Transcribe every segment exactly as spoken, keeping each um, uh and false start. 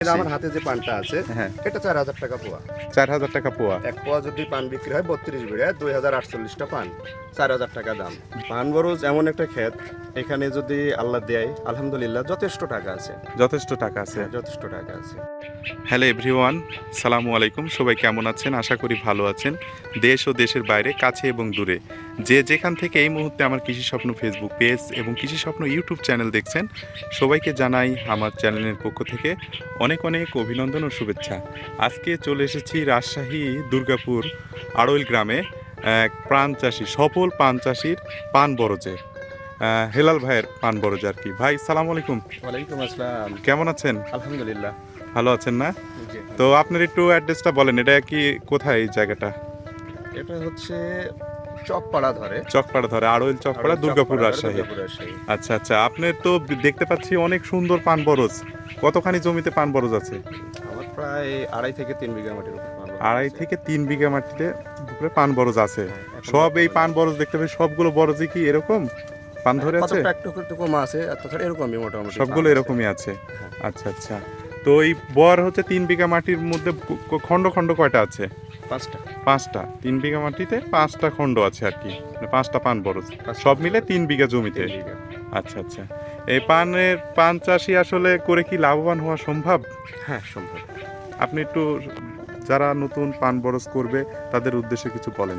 আমার হাতে যে পানটা আছে হ্যাঁ এটা চার হাজার টাকা পোয়া। চার হাজার টাকা পোয়া। এক পোয়া যদি পান বিক্রি হয় বত্রিশ বিঘা দুই হাজার আটচল্লিশটা পান, চার হাজার টাকা দাম। পান বরজ এমন একটা ক্ষেত, এখানে যদি আল্লাহ দেয় আলহামদুলিল্লাহ যথেষ্ট টাকা আছে, যথেষ্ট টাকা আছে। হ্যাঁ, যথেষ্ট টাকা আছে। হ্যালো এভরিওয়ান, সালামু আলাইকুম। সবাই কেমন আছেন? আশা করি ভালো আছেন। দেশ ও দেশের বাইরে, কাছে এবং দূরে, যে যেখান থেকে এই মুহূর্তে আমার কৃষি স্বপ্ন ফেসবুক পেজ এবং কৃষি স্বপ্ন ইউটিউব চ্যানেল দেখছেন, সবাইকে জানাই আমার চ্যানেলের পক্ষ থেকে অনেক অনেক অভিনন্দন ও শুভেচ্ছা। আজকে চলে এসেছি রাজশাহী দুর্গাপুর আড়ইল গ্রামে এক প্রাণ চাষি, সফল পান চাষির পান বরজে, আহ, হেলাল ভাইয়ের পান বরজ আর কি। ভাই সালাম আলাইকুম, ওয়ালাইকুম আসসালাম। কেমন আছেন? আলহামদুলিল্লাহ ভালো আছেন না? জি। তো আপনার একটু অ্যাড্রেসটা বলেন, এটা কি কোথায় এই জায়গাটা? এটা হচ্ছে চকপাড়া ধরে, চকপাড়া ধরে, আড়ইল চকপাড়া, দুর্গাপুর, চকপাড়া ধরে, রাজশাহী। দুর্গাপুর, রাজশাহী। আচ্ছা আচ্ছা, আপনার তো দেখতে পাচ্ছি অনেক সুন্দর পান বরজ। কতখানি জমিতে পান বরজ আছে? আমার প্রায় আড়াই থেকে তিন বিঘা মাটির উপর পান বরজ আড়াই আছে। থেকে তিন বিঘা মাটিতে উপরে পান বরজ আছে। হ্যাঁ, এখন সব এই বর্তমানে- পান বরজ দেখতে পাচ্ছি, সবগুলো বরজই কি এরকম পান ধরে আছে? কতটা একটু একটু কম আছে, আর তাছাড়া এরকমই মোটামুটি সবগুলো পান আছে। এরকমই আছে। হ্যাঁ। আচ্ছা আচ্ছা, তো এই বর হচ্ছে তিন বিঘা মাটির মধ্যে ক- খণ্ড খণ্ড কয়টা আছে? পাঁচটা। পাঁচটা। তিন বিঘা মাটিতে পাঁচটা খণ্ড আছে আর কি, মানে পাঁচটা পান বরজ, পাঁচটা সব পান মিলে বরজ। তিন বিঘা জমিতে। তিন বিঘা। আচ্ছা আচ্ছা, এই পানের পান চাষি আসলে করে কি লাভবান হওয়া সম্ভব? হ্যাঁ, সম্ভব। আপনি একটু যারা নতুন পান বরজ করবে তাদের উদ্দেশ্যে কিছু বলেন।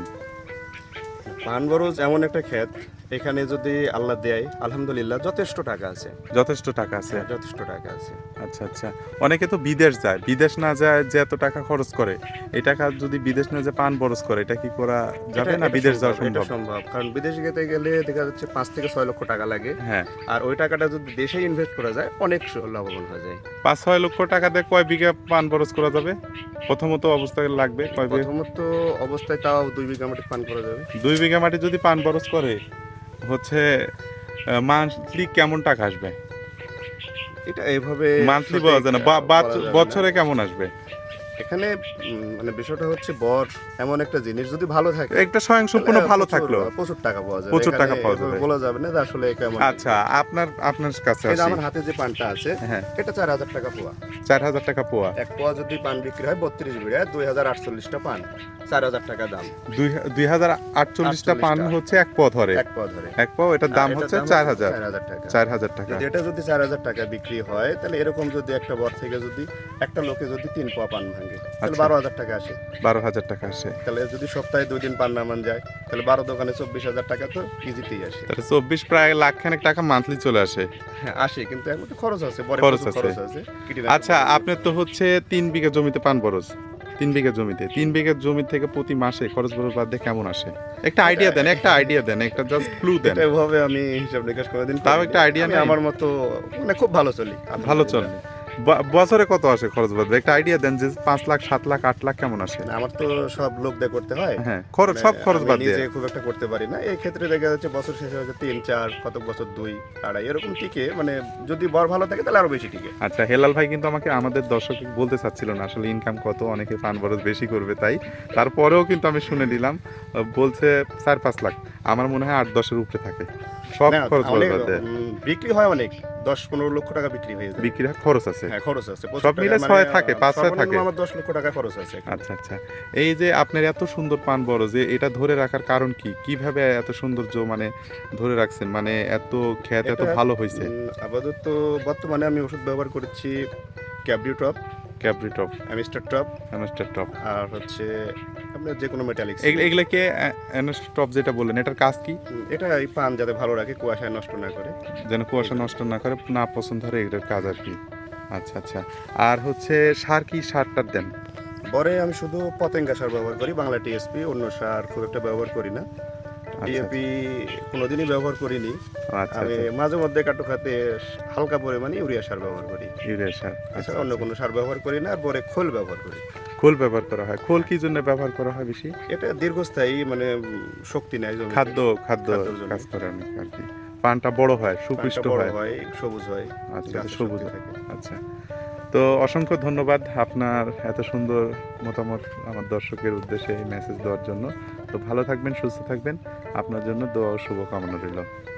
পান বরজ এমন একটা ক্ষেত, এখানে যদি আল্লাহ দেয় আলহামদুলিল্লাহ যথেষ্ট টাকা আছে, যথেষ্ট টাকা আছে। হ্যাঁ, যথেষ্ট টাকা আছে। আচ্ছা আচ্ছা, অনেকে তো বিদেশ যায়, বিদেশ না যায় যে এত টাকা খরচ করে, এই টাকা যদি বিদেশ না যায় পান বরজ করে, এটা কি করা যাবে এটা- না? এটা বিদেশ যাওয়া সম্ভব, এটা সম্ভব? সম্ভব, কারণ বিদেশে যেতে গেলে দেখা যাচ্ছে পাঁচ থেকে ছয় লক্ষ টাকা লাগে, হ্যাঁ, আর ওই টাকাটা যদি দেশে ইনভেস্ট করা যায় অনেক স- লাভবান হয়ে যায়। পাঁচ ছয় লক্ষ টাকা দিয়ে কয় বিঘা পান বরজ করা যাবে? প্রথমত অবস্থায় লাগবে কয় বিঘা? প্রথমত অবস্থায় তাও দুই বিঘা মাটি পান করা যাবে। দুই বিঘা মাটি যদি পান বরজ করে হচ্ছে মান্থলি কেমন টাকা আসবে? এটা এইভাবে মান্থলি সঠিক, বলা যায় না, বা- আহ, বা- বলা যাবে না। বছরে কেমন আসবে? এখানে উম, মানে বিষয়টা হচ্ছে বর এমন একটা জিনিস, যদি ভালো থাকে একটা স্বয়ংসম্পূর্ণ তাহলে ভালো প্রচুর- থাকলো। প্রচুর টাকা পাওয়া যাবে। প্রচুর এখানে টাকা পাওয়া এভাবে যাবে। বলা যাবে না যে আসলে কেমন। আচ্ছা, আপনার আপনার কাছে এই যে আসি। আমার হাতে যে পানটা আছে হ্যাঁ, এটা চার হাজার টাকা পোয়া। চার হাজার টাকা পোয়া। এক পোয়া যদি পান বিক্রি হয় বত্রিশ বিঘা দুই হাজার আটচল্লিশটা পান, চার হাজার টাকা দাম। দুই দুই হাজার আটচল্লিশটা পান আটচল্লিশটা। হচ্ছে এক পোয়া ধরে। এক পোয়া ধরে এক পোয়া, এটার দাম আর এটার হচ্ছে চার হাজার। চার হাজার টাকা। চার হাজার টাকা। যদি এটা যদি চার হাজার টাকা বিক্রি হয় তাহলে এরকম যদি একটা বর থেকে যদি একটা লোকে যদি তিন পোয়া পান ভাঙে তাহলে আচ্ছা। বারো হাজার টাকা আসে। বারো হাজার টাকা আসে। তাহলে যদি সপ্তাহে দুই দিন পান নামান যায় তাহলে বারো দোকানে চব্বিশ হাজার টাকা তো ইজিতেই আসে। তাহলে চব্বিশ প্রায় লাখ খানেক টাকা মান্থলি চলে আসে। হ্যাঁ, আসে, কিন্তু এর মধ্যে খরচ আছে, বড় খরচ প্রচুর আছে। খরচ আছে। কীটনাশক আচ্ছা, খরচ আছে। আপনার তো হচ্ছে তিন বিঘা জমিতে পান বরজ, তিন বিঘা জমিতে তিন বিঘা জমি থেকে প্রতি মাসে খরচ বরচ বাদ দিয়ে কেমন আসে? একটা আইডিয়া দেন, একটা আইডিয়া দেন, একটা জাস্ট ক্লু দেন। এটা এভাবে আমি হিসাব নিকাশ করে দিন, তাও একটা idea আমি নেই? আমার মতো মানে খুব ভালো চলি, ভালো চল। আলহামদুলিল্লাহ। ব- বছরে কত আসে খরচ বাদ দিয়ে? একটা আইডিয়া দেন যে পাঁচ লাখ, সাত লাখ, আট লাখ কেমন আসে? না, আমার তো সব লোক দিয়ে করতে হয়, হ্যাঁ, খরচ সব মানে খরচ আমি বাদ দিয়ে। নিজে খুব একটা করতে পারি না। এই ক্ষেত্রে দেখা যাচ্ছে বছর শেষে হচ্ছে তিন চার, কত বছর দুই আড়াই এরকম টিকে, মানে যদি বর ভালো থাকে তাহলে আরো বেশি টিকে। আচ্ছা, হেলাল ভাই কিন্তু আমাকে আমাদের দর্শক বলতে চাচ্ছিল না আসলে ইনকাম কত, অনেকে পান বরজ বেশি করবে তাই। তারপরেও কিন্তু আমি শুনে নিলাম, আহ, বলছে চার পাঁচ লাখ। আমার মনে হয় আট দশের উপরে থাকে সব না, খরচ অনেক, বাদ দিয়ে। উম, বিক্রি হয় অনেক, দশ পনেরো লক্ষ টাকা বিক্রি হয়ে যায়। বিক্রি হয়, খরচ আছে। হ্যাঁ, খরচ আছে প্রচুর সব টাকা, মিলে মানে, ছয় থাকে, পাঁচ ছয় সর্বনিম্ন থাকে। আমার দশ লক্ষ টাকা খরচ আছে এখানে। আচ্ছা আচ্ছা, এই যে আপনার এত সুন্দর পান বরজ, যে এটা ধরে রাখার কারণ কি? কিভাবে এত সৌন্দর্য মানে ধরে রাখছেন, মানে এত খ্যাত এত এটা, ভালো হয়েছে? উম, আপাতত বর্তমানে আমি ওষুধ ব্যবহার করছি Cabrio top, Cabrio top, Amistar top, Amistar top, আর হচ্ছে আপনার যে কোনো মেটালিক্স। এগুলোকে অ্যানাস্টার টপ যেটা বললেন, এটার কাজ কি? এটা এই পান যাতে ভালো রাখে, কুয়াশায় নষ্ট না করে। যেন কুয়াশা নষ্ট না করে, না পছন্দ হয়, এটার কাজ আর কি। আচ্ছা আচ্ছা, আর হচ্ছে সার কি সারটার দেন? পরে আমি শুধু পতেঙ্গা সার ব্যবহার করি, বাংলা টিএসপি, অন্য সার খুব একটা ব্যবহার করি না। ডিএপি কোনোদিনই ব্যবহার করিনি। আচ্ছা আমি আচ্ছা, মাঝে মধ্যে কাটু খাতে হালকা পরিমাণে ইউরিয়া সার ব্যবহার করি, ইউরিয়া সার। আচ্ছা এছাড়া অন্য আচ্ছা, কোনো সার ব্যবহার করি না। আর পরে খোল ব্যবহার করি। খোল ব্যবহার করা হয়। খোল কি জন্য ব্যবহার করা হয় বেশি? এটা দীর্ঘস্থায়ী, মানে উম, শক্তি নেয় জমিতে। খাদ্য খাদ্য খাদ্যের জন্য। কাজ করে অনেক আর কি। পানটা বড় হয়, সুপুষ্ট পানটা বড় হয়। হয়, সবুজ হয়, আচ্ছা, গাছের সবুজ শক্তি হয়। থাকে। আচ্ছা, তো অসংখ্য ধন্যবাদ আপনার এত সুন্দর মতামত আমার দর্শকের উদ্দেশ্যে এই মেসেজ দেওয়ার জন্য। তো ভালো থাকবেন, সুস্থ থাকবেন, আপনার জন্য দোয়া ও শুভকামনা রইল।